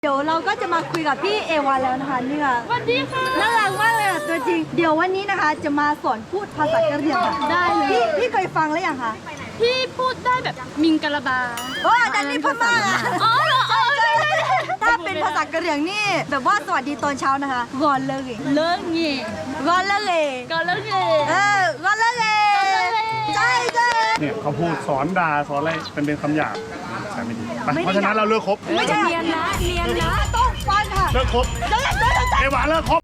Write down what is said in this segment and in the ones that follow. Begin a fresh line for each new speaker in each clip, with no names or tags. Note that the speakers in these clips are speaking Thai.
เดี๋ยวเราก็จะมาคุยกับพี่เอวาแล้วนะคะนี่ค่ะ
สวัสดีค่ะ
น่ารักมากเลยอ่ะตัวจริงเดี๋ยววันนี้นะคะจะมาสอนพูดภาษากะเหรี่ยงค่ะ
ได้เลย
พี่เคยฟังแล้วยังคะ
พี่พูดได้แบบมิงกะลาบา
โอ้ดันนี่พม่าอ่ะ
อ๋อเหรออ๋อใช่ใช่
ถ้าเป็นภาษากะเหรี่ยงนี่แบบว่าสวัสดีตอนเช้านะคะกอนเลย
เลิกเงี้ย
กอนเลย
ก็เลิกเง
กอนเลยใช่ใช่
เนี่ยเขาพูดสอนด่าสอนอะไรเป็นคำหยาบใช่ไม่ดีไปเพราะฉะนั้นเราเลิกคบ
ไม่ใช่
เนียนนะ
ต้องฟังค่ะ
เลิกคบเอวาเลิกคบ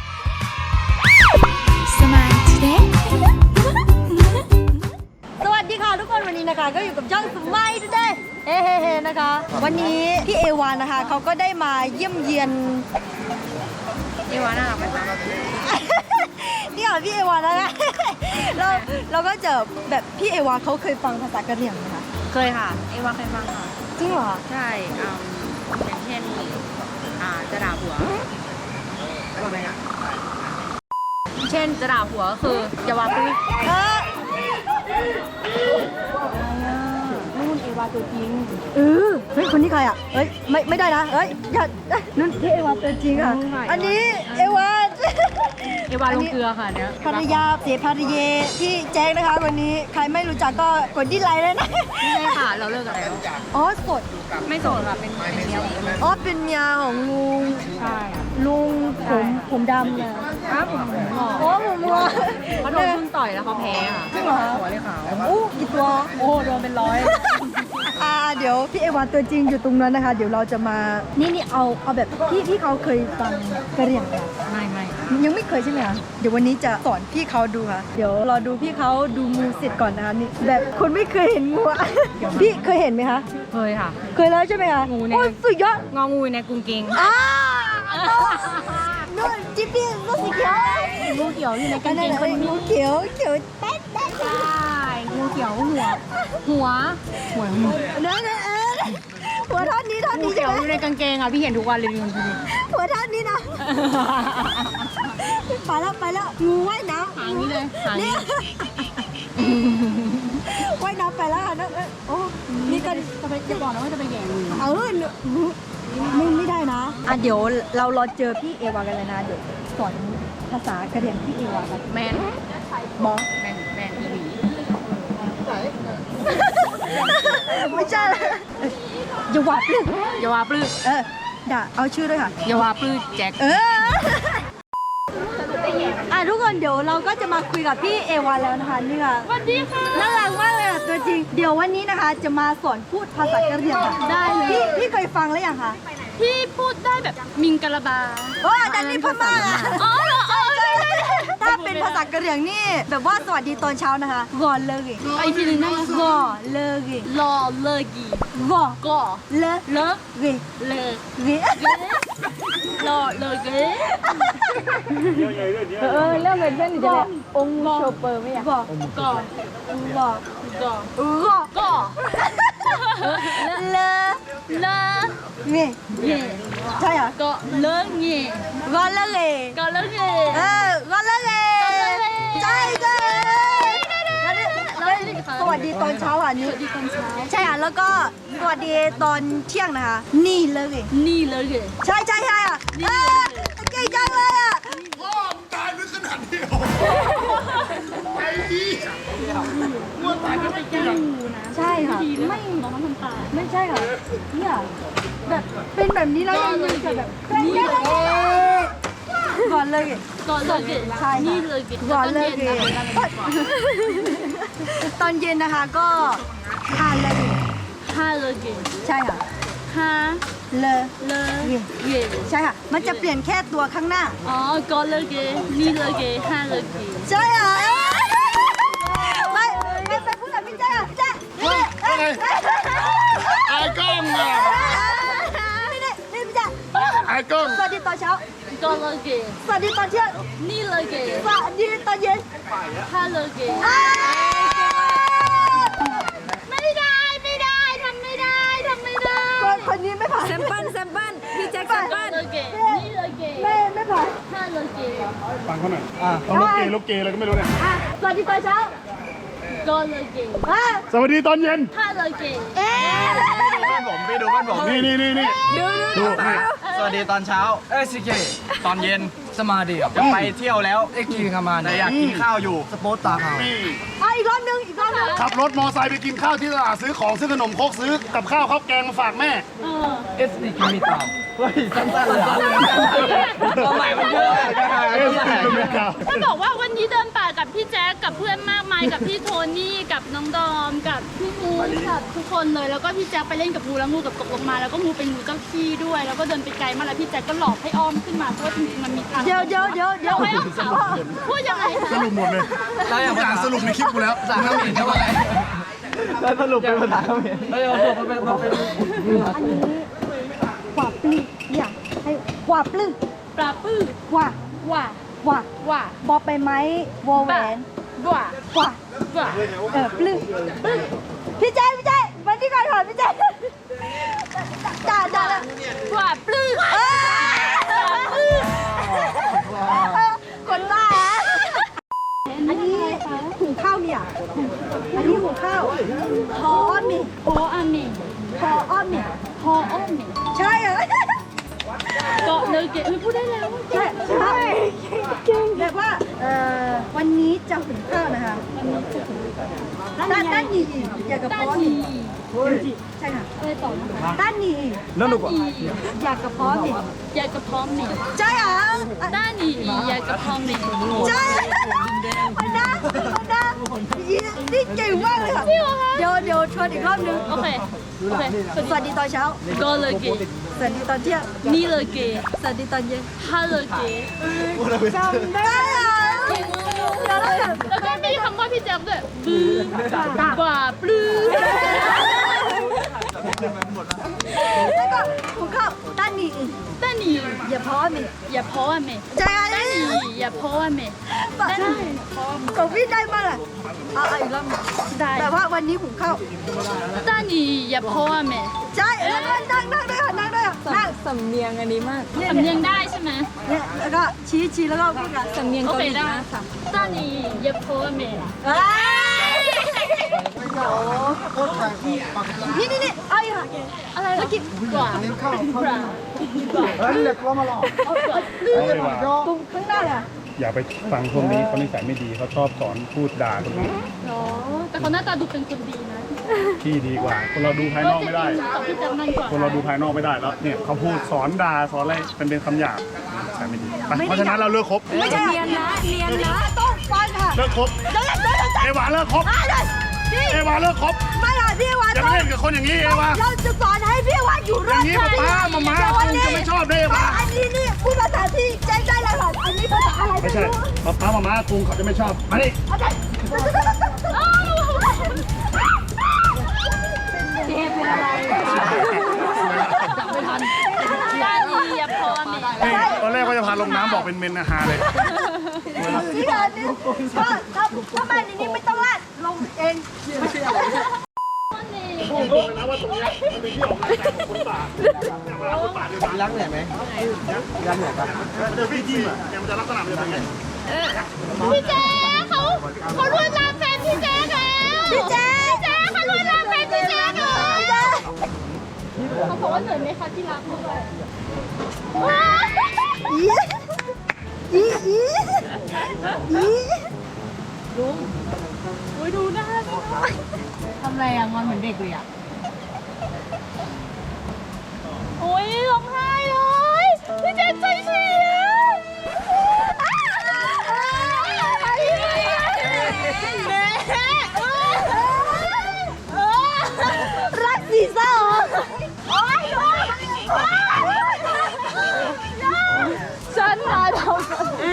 สวัสดีค่ะทุกคนวันนี้นะคะก็อยู่กับช่องสมัยด้วยเฮ้เฮ้นะคะ วันนี้พี่เอวานะคะเขาก็ได้มาเยี่ยมเยียน
เอวาน่ารักไหมคะ
นี่ค่ะพี่เอวานะคะเราก็เจอแบบพี่เอวาเขาเคยฟังภาษากะเหรี่ยงไหมคะ
เคยค่ะ เอวาเคยฟังค่ะ
จริงเหรอ
ใช่อย่างเช่นจะด่าผัวว่าไงอ่ะเช่นจะด่าผัวก็คืออย่าว่าปุ้ย
นู่นเอวาตัวจริงเฮ้ยคนนี้ใครอ่ะเอ้ยไม่ได้นะเอ้ยอย่านู่นพี่เอวาตัวจริงอ่ะอันนี้เอวา
เอวาลงเกลือค่ะเนี้ย
ภรรยาเสียภรรยาพี่แจ๊คนะคะวันนี้ใครไม่รู้จักก็กดดิสไลค์เลยนะ
ไม่ใช่ค่ะ เราเลิกกันแล้ว
อ๋อสด
ไม่โสดค่ะ เป็นเมียของ
อ๋อเป็นเมียของลุง
ใช่
ลุงผมดำเลย
ครับผมหล่อ
อ๋อผมวัว
เขาโดนพึ่งต่อยแล้วเขาแพ้ค่ะ
จริงเหรอ
หัวเลยขาว
อู้กี่ตัว
โอ้โดนเป็นร้อย
เดี๋ยวพี่เอวาตัวจริงอยู่ตรงนั้นนะคะ เดี๋ยวเราจะมานี่เอาแบบพี่เขาเคยฟังกะเหรี่ยงไหมคะ
ไม่
ยังไม่เคยใช่ไหมคะเดี๋ยววันนี้จะสอนพี่เขาดูค่ะเดี๋ยวรอดูพี่เขาดูงูเสร็จก่อนนะคะนี่แบบคนไม่เคยเห็นงูอะ พี่เคยเห็นไหมคะ
เคยค่ะ
เคยแล้วใช่ไหมคะ
งูเนี่ย
โอ้ยสุดยอด
งองูในกรุงเกง
นู่นจิ๊บปี้ลูกสีเขียว
งูเขียวอยู่ในกา
กั
ง
น
เก
นั่น
ง
น่ะ
คนนี้
งูเขียวแต๊ด
ใช่งูเขียวหัว
นั่นหัวท่อนนี้
งูเขี
ใช่
ยว
ไหม
อยู่ในกางเกงอ่ะพี่เห็นทุกวันเลยพี่
หัวท่อนนี้นะไปแล้วงูว่ายน้ำ
หางนี้เลยหาง
นี่
นี้
ว่ายน้ำไปแล้วค่ะนั่นโอ้นี่กัน
จะบอกนะว่าจะไปแย่งู
ไม่ได้นะเดี๋ยวเรารอเจอพี่เอวากันเลยนะเดี๋ยวสอนภาษากะเหรี่ยงพี่เอวากัน
แมน
บอ
แมนทีวี
ไม่ใช่ละอย่าหวาดเลย
อย่าว่าปลื้ม
ด่าเอาชื่อด้วยค่ะ
อย่าว่าปลื้มแจ็ค
ทุกคนเดี๋ยวเราก็จะมาคุยกับพี่เอวาแล้วนะคะนี่ค่ะ
สวัสดีค่ะ
น่ารักมากเลยอ่ะตัวจริงเดี๋ยววันนี้นะคะจะมาสอนพูดภาษากะเหรี่ยงค่ะ
ได้เลย
พี่เคยฟังแล้วยังคะ
พี่พูดได้แบบมิงกะลาบา
โอ้ดันนี่พม่าอ่ะ
อ๋อเหรออ๋อใช่ใช่
ถ้าเป็นภาษากะเหรี่ยงนี่แบบว่าสวัสดีตอนเช้านะคะกอนเลย
อีกทีหนึ่งได้ไหม
กอเลย
รอเลิกี
กอ
ก็
เล
เลิก
เก
เลิก
เก
รอเลิก
เรื่องเป็นเส้น
ก็
องค์โชเปอร์ไม่อยากบอก
ก็
บอก
ก็
ก็ เล
เลิก
เง
เย่
ใช่เหรอ
ก็เลิกเย่
กอนเลย
ก็เลิกเย่
กอนเลยใช่สวัสดีตอนเช้าอ่ะนี่
สวัสดีตอนเช้า
ใช่อ่ะแล้วก็สวัสดีตอนเที่ยงนะคะนี่เลย
นี่เลยเย่
ใช่อ่ะเก่งจังเลยอ่ะ
พ่อมตายไม่ขนาดนี้ไอ้ยี่ง่วงตายไม่เกี่ยว
ใช่ค่ะไม่
น้องทำตา
ไม่ใช่ค่ะเนี่ยแบบเป็นแบบนี้แล้วยังจะแบบก่อนเลย
ก็เลิกเย่
ใช่
นี่
ค่ะ
เลยเย่
ก่อนเลยตอนเย็นนะคะก็ทานเลย
ห้าเลยเย่
ใช่ค่ะ
ห้า
เลย
เลิกเย่
ใช่ค่ะมันจะเปลี่ยนแค่ตัวข้างหน้า
อ๋อก็เลิกเย่นี่เลิกเย่ห้าเลิกเย่
ใช่อ่ะไปพูดกับพี่แจ๊คพี่แจ๊ค
ไอ้กล้องอ่ะ
นี่พี่แจ๊ค
ไอ้กล้อง
สวัสดีตอนเช้า
ก็เลิกเย่
สวัสดีตอนเที่ยง
นี่เลิกเย่
สวัสดีตอนเย็น
ห้าเลิกเย่ไม่ได้ทำไม่ได้
คนนี้ไม่ผ่าน
แซมเปิ้ลพี่แจ็คแซมเปิ้ลเลิกเย่นี่เลิกเย่
ไม่ผ่าน
ห้าเลิกเย่
ฟังเขาหน่อยเขาลูกเกย์อะไรก็ไม่รู้เนี่ย
สวัสดีตอนเช้า
ก็เลิกเย่
สวัสดีตอนเย็น
ห้าเลิกเย่
เอ๊ะ
พื่อนผมพี่ดูเพื่อนผม
นี่ดูนี่
สวัสดีตอนเช้าสิเกตอนเย็นสมาดีจะไปเที่ยวแล้วไอ้กินขมาแต่อยากกินข้าวอยู่สปอร์ตตาเขา
นี่
อีกรอบนึง
ขับรถมอไซค์ไปกินข้าวที่ตลาดซื้อของซื้อขนมครกซื้อกับข้าวข้าวแกงมาฝากแม่
เอสดีกินมีเปล่าเฮ้ยสั้นๆเลยตัวใหม่มันเยอะ
ถ้าบอกว่าวันนี้เดินป่ากับพี่แจ๊คกับเพื่อนมากมายกับพี่โทนี่กับน้องดอมกับพี่มูกับทุกคนเลยแล้วก็พี่แจ๊คไปเล่นกับงูแล้วงูกับตกลงมาแล้วก็งูเป็นงูเจ้าที่ด้วยแล้วก็เดินไปไกลมากแล้วพี่แจ๊คก็หลอกให้อ้อมขึ้นมาเพราะว่าจริงๆมันมีทาง
เดี๋ยว
ให้อ้อมเขาพูดยังไง
สรุปหมดเลยทุกอย่างสรุปในคลิปกูแล้ว
ภาษาเขมรเท่าไหร่แล้วสรุปเป็นภาษาเขมรเฮ้ยเอาเป็น
อันนี้กว่าปลื้มอยากให้กว่าปลื้ม
ปลาปื้อ
กว่า
ว่า
ว่าบอไปไหมวอแหวน
ว่าก
ว่า
ว่า
ปลื้มพี่แจ๊มาที่ก่อนพี่แจ๊ด่า
ว่าปลื้อ
คนบ้าอันนี้หุงข้าวเนี่ยอันนี้หุงข้าวพอมี
โออามิ
พออ้อมเนี่ย
พออ้อมิ
ใช่เหรอ
เกาะเลยเก๋พูดได้แล้ว
ใช่เก่งแบบว่าวันนี้จะหุงข้าวนะคะด้านนี้อยากกับ
ด้า
พ
น
อ
นี
มีใช่ค่ะ
อะไรต่อนะคะ
ด้านนี้
แล้วหนุกอ่ะ
อยากกับพอมี
อยากกระพร้อมนี่
ใช่เหรอ
ด้านนี้อยากกระพร้อมนี่
ใช่มันนะนี่เก่งมากเลยค่ะเดี๋ยวชวนอีกรอบนึง
โอเคโอเค
สวัสดีตอนเช้า
ก็เลยเก๋
สวัสดีตอนเที่ยง
นี่เลยเก๋
สวัสดีตอนเย็น
ฮัลโหลเก๋
จำได้เหรอแล้วก็
แล้วก็มีคำว่าพี่แจ๊บด้วยบื้อกว่าปลื้อ
แล้วก็หุงข้าวด้านนี้
ด้านนี้
อย่าพอมี
อย่าเพราะว่าเม
ใช่
ด้านนี้อย่าเพราะว่าเม
ใช่ของพี่ได้มากอ่ะเอาอีกรอบ
ได้
แต่ว่าวันนี้หุงข้าว
ด้านนี้อย่าเพราะว่าเม
ใช่แล้วก็นั่งด้วยค่ะนั่ง
สำเนียงอันนี้มาก
สำเนียงได้ใช่ไหม
เนี่ยแล้วก็ชี้แล้วก็พูดกัน
สำเนียง
โอ
เกา
เค
หลี
ได้
มากค่ะ
ด้านนี้อย่าเพราะว่าเม
นี่เอาอีกค่ะ
อะไรเมื่อกี้กว่า
เล็กก็มาหลอก
ตรงข้างหน้าเลย
อย่าไปฟังพวกนี้เขานิสัยไม่ดีเขาชอบสอนพูดด่าคนอื่น
เนาะแต่เขาหน้าตาดูเป็นคนดีนะ
ที่ดีกว่า คนเราดูภายนอกไม่ได้
ต่อพี่แจ๊บนั่นกว่า
คนเราดูภายนอกไม่ได้แล้วเนี่ยเขาพูดสอนด่าสอนอะไรเป็นคำหยาบนิสัยไม่ดีไปเพราะฉะนั้นเราเลิกคบ
ไม่ใช่เนียนนะต้องฟังค่ะ
เลิกคบ
เดี๋ยว
เอวาเลิกคบ
พี่
เอวาเลิกคบ
ไม่หรอกพี่วาน
อย่าไปเล่นกับคนอย่างนี้เอวา
เราจะสอนให้พี่วานอยู่ร
อ
อย่าง ด
นี้ป้ามาม่าคงจะไม่ชอบได้เอวา
อันนี้นี่พูดภาษาที่ใจได้เลยค่ะอันนี้ภาษาอะไร
ไม่
ไม่
ใช่
รู้
ป้ามาม่าคงเขาจะไม่ชอบมาดิ
โอเคเจ๊เป็นอะไร
ด้านนี้อย่าเพราะว่าเม
นี่ตอนแรกว่าจะพาลงน้ำบอกเป็นเมนอาหารเลย
นี่ค่ะนี่ก็ถ้าบ้านนี้ไม่ต้องลาดลงเอง
ผมบอกเลยนะว่าตรงนี้มันเป็นที่ออกกำลังกายของคนป่าเวลาคนป่าเดิน
รักเหนื่อยไหมรักเหนื่อยปะ
เดินพี่จิ้มอ่ะเนี่ยมันจะลักษณะมันจะเป็นไง
พี่แจ๊เขาลวนลามแฟนพี่แจ๊แล้ว
พี่เจ๊
เขาลวนลามแฟนพี่แจ๊เลยเขาบอกว่าเหนื่อยไหมคะที่รักด้วย
อี
โอ้ยดูหน้าสิ
ทำไรอ่ะงอนเหมือนเด็กเลยอ่ะ
โอ้ยร้องไห้เลยพี่แจ๊ใจเสีย
รักสีเศร้า
ฉันมาทำ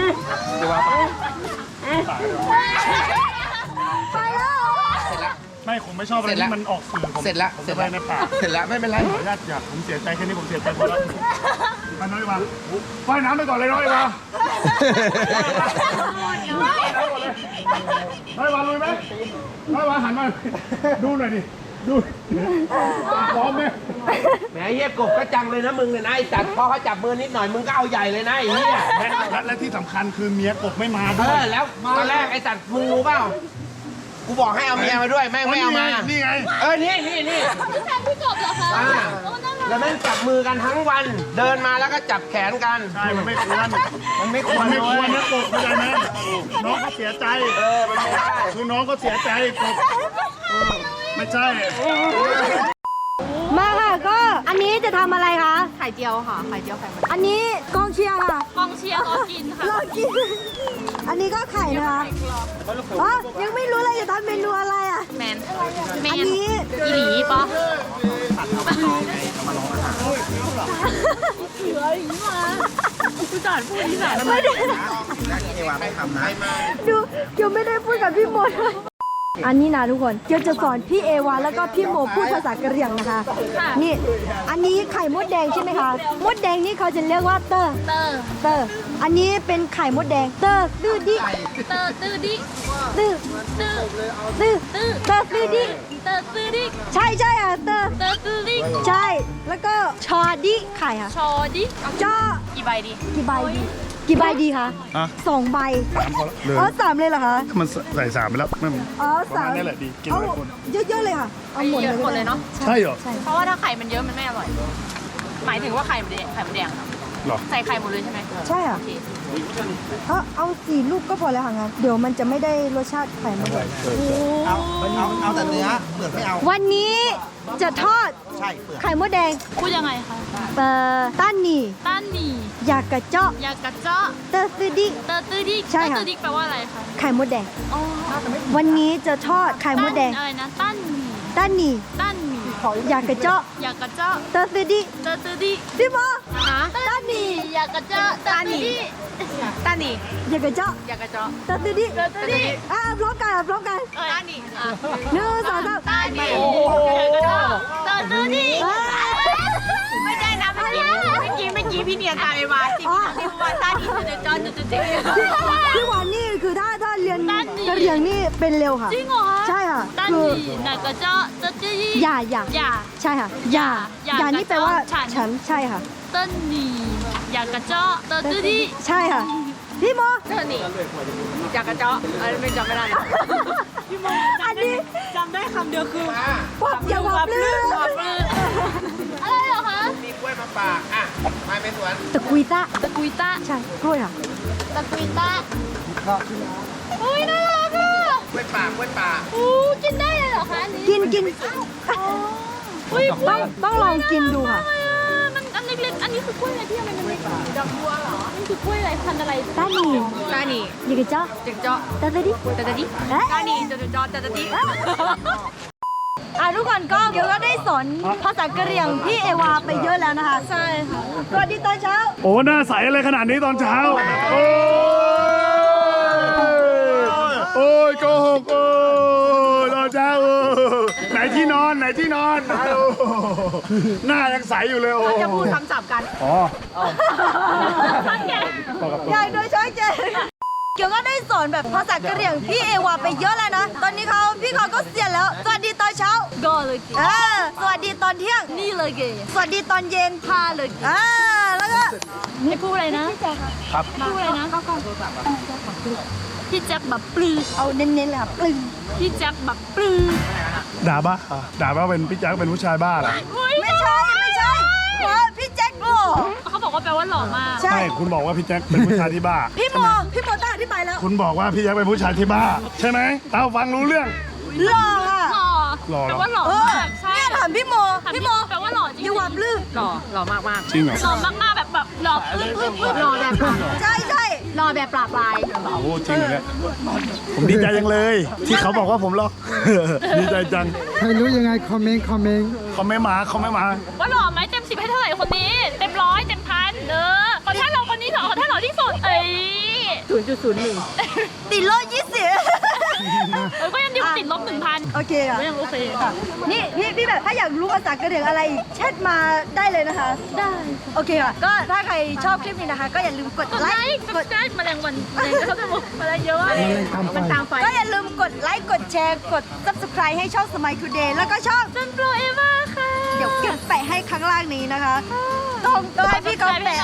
ไปแล้ว
ไม่ผมไม่ชอบอะไรที่มันออกสื่อผม
เสร็จละเสร็จ
ไป
ละ
ในป่า
เสร็จละไม่เป็นไร
ขออนุญาตผมเสียใจแค่นี้ผมเสียใจพอแล้วไปน้อยมาว่ายน้ำไปก่อนเลยน้อยมาน้อยมาลุยไหมน้อยมาหันมาดูหน่อยดิดูพร้อมไหม
แหมเฮียกบก็จังเลยนะมึงเนี่ยนะไอ้สัตว์พอเขาจับมือนิดหน่อยมึงก็เอาใหญ่เลยนะไอ้เฮีย
และที่สำคัญคือเมียกบไม่มา
เอ
ด้วย
อแล้วตอนแรกไอ้สัตว์มึงรู้เปล่า
กูบอกให้เอาเมียมาด้วยแม่งไม่เอามา
นี่ไง
นี่
พี่แซมพี่กบเหรอคะ
อ่า
โอ้น่ารัก
แล้วแม่งจับมือกันทั้งวัน เดินมาแล้วก็จับแขนกัน
ใช่ มันไม่ควร
มันไม่คว
มั
ร
นไม่ควร
เลย
นะกบเข้าใจไหมน้องก็เสียใจ
มันไม่ได้
คือน้องก็เสียใจกบไม่ใช่
มาค่ะก็อันนี้จะทำอะไรคะ
ไข่เจียวค่ะ ไข่เจียวไข่มัน
อันนี้กองเชียร์ค่ะ
กองเชียร์รอกินค่ะ
รอกิน อันนี้ก็ไข่นะคะอ๋อยังไม่รู้เลยจะทำเมนูอะไรอ่ะ
แมน
อันนี้
อีหลีปะ
ดูเกียวไม่ได้พูดกับพี่โมเลยอันนี้นะทุกคนเกียวจะสอนพี่เอวาแล้วก็พี่โมพูดภาษากะเหรี่ยงนะคะ นี่ อันนี้ไข่มดแดงใช่ไหมคะ มดแดงนี่เขาจะเรียกว่าเตอร์
เตอร์
เตอร์ อันนี้เป็นไข่มดแดง เตอร์ตื้อดิ
เตอร์ตื้อดิ
ตื้อ
ตื้อ
ตื้อ
ตื้อ
เตอร์ตื้อดิ
เตอร์ตื้อดิ
ใช่ใช่อ่ะเตอร์
เตอร์ตื้อดิ
ใช่ แล้วก็ชอดิไข่ค่ะ
ชอดิ
จ้อ
กี่ใบดี
กี่ใบดี กี่ใบดีคะ
อ่ะ
2 ใบ
เลย
อ๋อ3เลยเหรอคะ
มันใส่3ไปแล้วไม่
อ๋อ
ประ
สา
มาณ
ม
นี้แหละดีกิน
เอา
หลายคน
เยอะๆเลยค่ะ เอาหมด
เยอะหมดเลยเนาะ
ใช่เหรอ
ใช่
เพราะว่าถ้าไข่มันเยอะมันไม่อร่อย หมายถึงว่าไข่มันแดงครับ
หรอ
ใส่ไข่หมดเลยใช่ไหม
ใช่ค่ะ
โอเค
เอา4 ลูกก็พอแล้วค่ะงั้นเดี๋ยวมันจะไม่ได้รสชาติไข่มันเลย
เอาแต่เนื้อเปลือกไม่เอา
วันนี้จะทอด
ใช่เปลือก
ไข่มดแดง
พูดยังไงคะ
ต้านหนี่
ต้านหมี่
อยากกระเจาะ
ยากระเจาะ
เตอร์ซอดิ
เตอร์ตื้อดิ
ใช่ค่ะ
เตอร์ตื้อดิแปลว่าอะไรคะ
ไข่มดแดง
อ๋อ
วันนี้จะทอดไข่มดแดง
อะไรนะต้านหมี่
ต้านหนี่
ต้านหมี่
อยากกระเจาะ
ยากระเจาะ
เตอร์ซอดิ
เตอร์ตื้อดิ
พี่โม
ฮะ
ต้านหนี่
ยากระเจาะเตอร์ตื้อดิ
ตาหนี
อยากกระเจาะ
อยากกระเจาะ
เตอร์ซอดิ
เตอร์ตื้อดิ
พร้อมกันพร้อมกัน
ตาหนีอ่ะ
หนึ่งสองสาม
ต้านหมี่เตอร์ตื้อดิ
ไม่ใช่นะเมื่อกี้พี่เนียนตามไปมาจริงๆที่ว่าตาหนีจะจอจุดๆ
พี่หวานนี่คือถ้าเรียนกะเหรี่ยงนี่เป็นเร็วค่ะ
จริงเหรอ
ใช่ค่ะ
ต้าน
คื
ห
อ
มี่ยากระเจาะเตอร์ตื้อดิ
อย่า
อย่า
ใช่ค่ะอย่า
อย่า
อย่านี่แปลว่า
ฉัน
ฉันใช่ค่ะ
เต้นหมี่ยากระเจาะเตอร์ตื้อดิ
ใช่ค่ะ พี่โม
ตาหนีอยากกระเจาะไม่จำไม่ได้
อันนี้
จำได้คำเดียวคือ
พวกอย่าวับลือ
อะไรเหรอคะ
มีกล้วยมาฝากอ่ะมาเป็นสวน
ตะกุยตะ
ตะกุยตะ
ใช่กล้วยค่ะ
ตะกุยตะอุ้ยน่ารักอ่ะ
กล้วยป่ากล้วยป่า
อู้กินได้เลยเหรอคะอันนี้
กิน
อุ้ย
ต้องลองกินดูค่ะ
มันอันเล็กๆอันนี้คือกล้วยอะไรที่ทำไมมันเล็กดอกบัวเหรอนี่คือกล้วยอะไรพันธุ์อะไร
ต้านหนี่
ตาหนี
อยากกระเจาะ
จึงเจาะ
ตะดิ
ตาดิ
เอ๊ะ
ตาหนีจะเจาะจะดิ
ทุกคนก็เดี๋ยวก็ได้สอนภาษากะเหรี่ยงพี่เอวาไปเยอะแล้วนะคะ ใช่ค่ะสวัสดีตอนเช้า
โอ้หน้าใสอะไรขนาดนี้ตอนเช้า โอ้ยโอ้ยโกหกโอ้ยตอนเช้าไหนที่นอนไหนที่นอนโอ้หน้ายังใสอยู่เลยโอ้
จะพูดคำศัพท์กัน
อ๋อ
ใหญ่โดยช้างเจเกี่ยวก็ได้สอนแบบภาษากะเหรี่ยงพี่เอวาไปเยอะแล้วนะ ตอนนี้พี่เขาก็เสียแล้ว สวัสดีตอนเช้า
ก็เลยกิน
สวัสดีตอนเที่ยง
นี่เลยเก
สวัสดีตอนเย็น
พาเลย
แล้วก็
ให้พูดอะไรนะ
ครับ
พูดอะไรนะพี่แจ็คแบบปลื้ม
เอาเน้นๆเลยค่ะปลึง
พี่แจ็คแบบปลื้ม
ด่าบ้าด่าว่าเป็นพี่แจ๊คเป็นผู้ชายบ้าเหรอ
ไม่ใช่เพราะพี่แจ็คหล่อ
เขาบอกว่าแปลว่าหล่อมาก
ใช่
ใช่คุณบอกว่าพี่แจ๊คเป็นผู้ชายที่บ้า
พี่โมต้องอธิบายแล้ว
คุณบอกว่าพี่แจ๊คเป็นผู้ชายที่บ้า ใช่ไหมเราฟังรู้เรื่อง
หล่อค่ะ
หล่อ
หล่อเหรอ
แปลว่าหล่อ
เออ
มากใช่
เนี่ยถามพี่โม
แปลว่าหล่อจริง
อย่าหวับลือ
หล่อมาก
จริงเหรอ
หล่อมากๆแบบหล่อปึ๊บ
หล่อแบบ
ใช่
หล่อแบบปราบลาย
โอ้จริงเหรอเนี่ยผมดีใจจังเลย ที่เขาบอกว่าผมหล่อ ดีใจจัง
ใครรู้ยังไงคอมเมนต์
เขาไม่มา
ว่าหล่อไหมเต็ม10ให้เท่าไหร่คนนี้ เต็ม100เต็มพันขอท่านหล่อคนนี้ขอท่านหล่อที่สุด
0.01
ติดโลด20
ก็ยังดีกว่าติดลบ 1,000
โอเคค่ะ
ก็ยังโอเค
นี่พี่แบบถ้าอยากรู้ภาษากะเหรี่ยงอะไรอีกแชทมาได้เลยนะคะ
ได้
โอเคค่ะ ก็ถ้าใครชอบคลิปนี้นะคะ ก็อย่าลืมกด
กด
ไล
ไล
ค์
ค์กดแชร์แมลงวันแมลงเขาจะบอกแมลงเยอะ
มันตามไฟ
ก็อย่าลืมกดไลค์กดแชร์กด subscribe ให้ช่อง Smile Today แล้วก็ช่อง
จนโปรเอว่าค่ะ
เดี๋ยวแปะให้ข้างล่างนี้นะคะต้องให้พี่เขาแปะ